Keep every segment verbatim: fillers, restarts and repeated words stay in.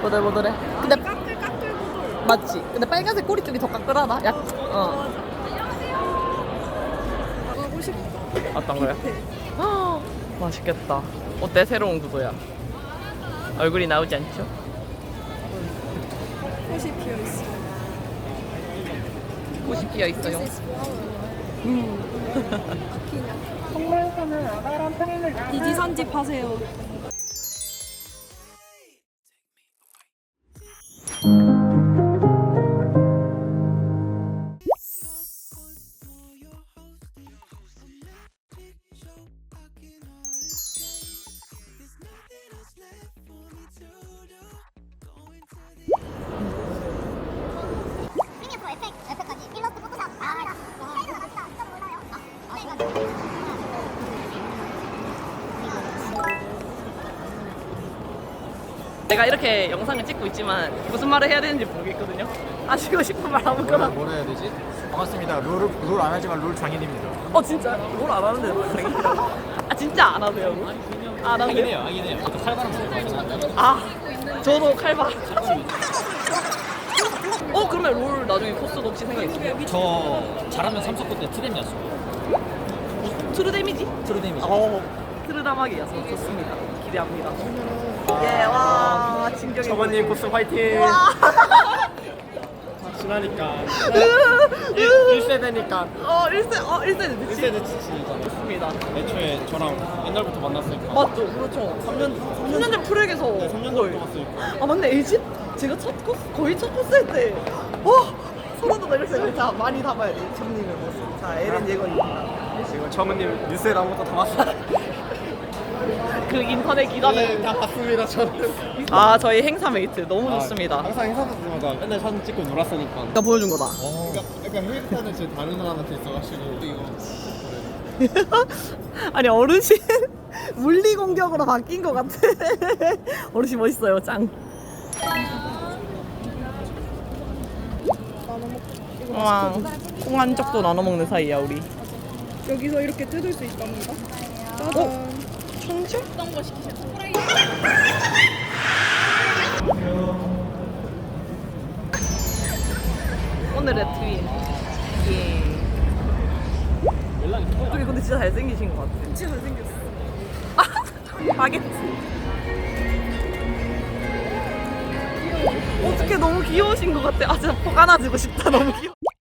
보들보들해. 근데 까끌 까끌 보들. 맞지? 근데 빨간색 꼬리 쪽이 더 까끌하다. 약. 어. 가고 싶다. 어떤 거야? 아, 맛있겠다. 어때? 새로운 구도야. 얼굴이 나오지 않죠? 꽃이 피어 있어. 꽃이 피어 있어요. 디지 선집 하세요. 프리미어 프로 에펙, 에펙까지 필러스 포토샵 다 합니다. 사이즈가 낮다. 진짜 몰라요. 아, 아, 이거. 내가 이렇게 영상을 찍고 있지만 무슨 말을 해야 되는지 모르겠거든요. 하시고 싶은 말 뭐라, 아무거나. 뭐라 해야 되지? 반갑습니다. 롤, 롤 안 하지만 롤 장인입니다. 어 진짜? 뭘 안 하는데 뭘 장인이라고? 아 진짜 안 하세요? 안 하긴 하세요? 해요, 하긴 해요. 저도 칼바람 쓰고 하잖아요. 아 저도 칼바. 어 그러면 롤 나중에 코스도 혹시 생각 있으세요? 저 잘하면 삼석구 때 트뎀이었어요. 트루 데미지? 트루 데미지. 어 트루다마기여서 좋습니다. 기대합니다. 예, 와 진격의 저번님 코스 화이팅! 지나니까 일 세대니까 어 일 세 어 일 세대 일 늦지? 세대 지치잖아요. 좋습니다. 애초에 저랑 옛날부터 만났으니까 맞죠, 그렇죠. 삼 년 삼 년 전 프로에게서 네, 삼 년 거의. 전부터 봤으니까. 아 맞네 에이지? 제가 첫 코스 거의 첫 코스 할 때. 와 소름 돋아 이렇게 생각해. 자 많이 담아야 돼. 정님의 모습. 자 에렌 예건입니다. 지금 처음님 뉴스에 아무것도 담았어요. 그 인터넷 기간을. 네, 다 봤습니다, 저는. 아 저희 행사 메이트 너무 아, 좋습니다. 항상 행사할 때마다 맨날 사진 찍고 놀았으니까. 내가 보여준 거다. 그러니까, 그러니까 휴일타는 지금 다른 사람한테 있어가지고 이거 아니 어르신 물리 공격으로 바뀐 것 같아. 어르신 멋있어요, 짱. 와, 콩 한 쪽도 나눠 먹는 사이야 우리. 여기서 이렇게 뜯을 수 있답니다. 짜잔. 천재? 오늘의 트윈. 예. 연락이 저기 근데 진짜 잘생기신 것 같아. 진짜 잘생겼어. 바게트. 어떻게 너무 귀여우신 것 같아. 아 진짜 폭 안아주고 싶다. 너무 귀여워.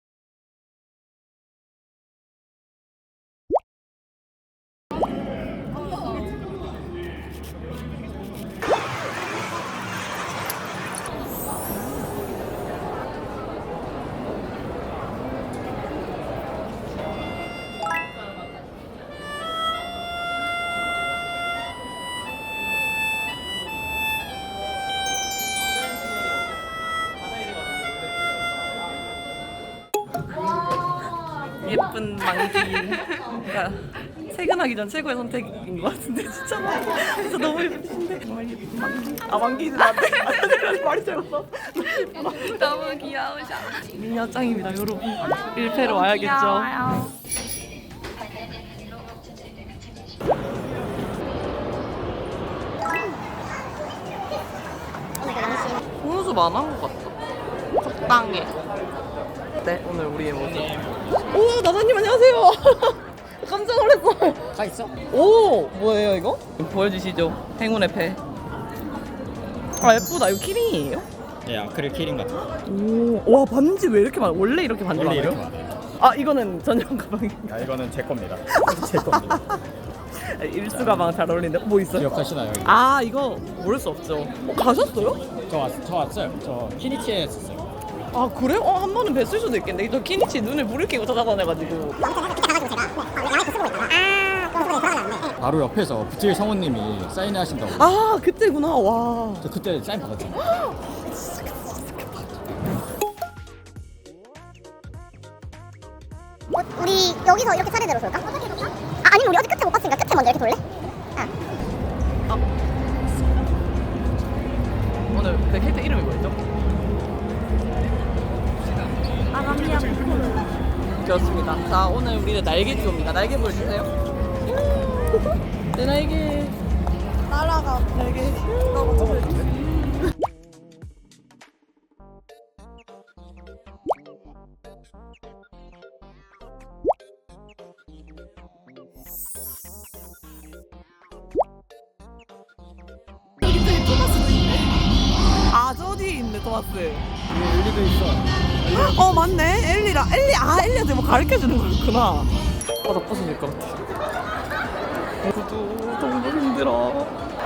예쁜 망기가 퇴근하기 전 최고의 선택인 것 같은데 진짜 진짜 너무 예쁘신데 정말 예쁜 망기. 아 망기는 안 돼. 말이 잘못어. 너무 귀여우셔. 미녀 짱입니다 여러분. 일 패로 와야겠죠. 홍수 많은 것 같다. 적당해. 네 오늘 우리의 모습. 오 나사님 안녕하세요. 깜짝 놀랐어. 다 있어? 오 뭐예요 이거? 보여주시죠. 행운의 패. 아 예쁘다. 이거 키링이에요? 네, 아크릴 키링 같은 거. 오와 반지 왜 이렇게 많아? 원래 이렇게 반지 원래 많아요? 이렇게 많아요. 아 이거는 전용 가방이. 아, 이거는 제 겁니다. 제 겁니다. 일수 가방 잘 어울리는데 뭐 있어요? 기억하시나요? 이거? 아 이거 모를 수 없죠. 어, 가셨어요? 저, 왔, 저 왔어요. 저 키니치에 했었어요. 아 그래요? 어, 한 번은 뵀을 수도 있겠네. 저 키니치 눈을 물을 끼고 찾아다녀가지고. 바로 옆에서 부틸 성우님이 사인회 하신다고. 아 그때구나. 와. 저 그때 사인 받았죠. 어, 우리 여기서 이렇게 차례대로 돌까? 아, 아니면 우리 어디 끝에 못 봤으니까 끝에 먼저 이렇게 돌래? 아. 오늘 그 캐릭터 이름이 뭐였죠? 아가미야 그렇습니다. 자 오늘 우리는 날개 듀오입니다. 날개 보여주세요. 내 날개. 날아가. 날개. 나 먼저 해줄게. 토마스. 엘리도 있어. 어 맞네. 엘리라 엘리 아 엘리한테 뭐 가르쳐 주는 거였구나. 바닥 벗어질 것 같아. 구두 너무 힘들어.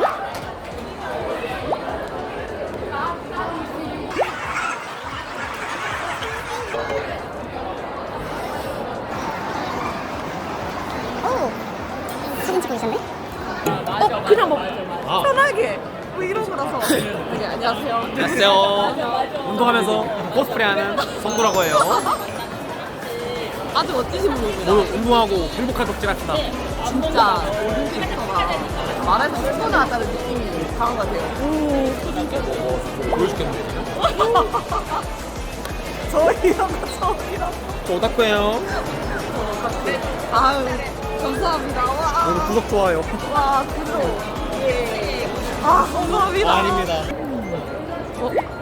오, 사진 찍고 계셨네? 어 그냥 뭐 편하게 뭐 이런 거라서. 네 안녕하세요. 안녕하세요. 운동하면서 코스프레하는 성도라고 해요. 아주 멋지신 분이구나. 오늘 운동하고 행복한 덕질합시다. 진짜 모든 캐릭터가 말해서 풀고 나왔다는 느낌이 강한 것 같아요. 보여줄겠는데. 저 이런 거 처음이라. 저 오다쿠예요. 아유 감사합니다. 와, 오늘 구독 좋아요. 와 구독. 예. 아 감사합니다. 아닙니다. 어?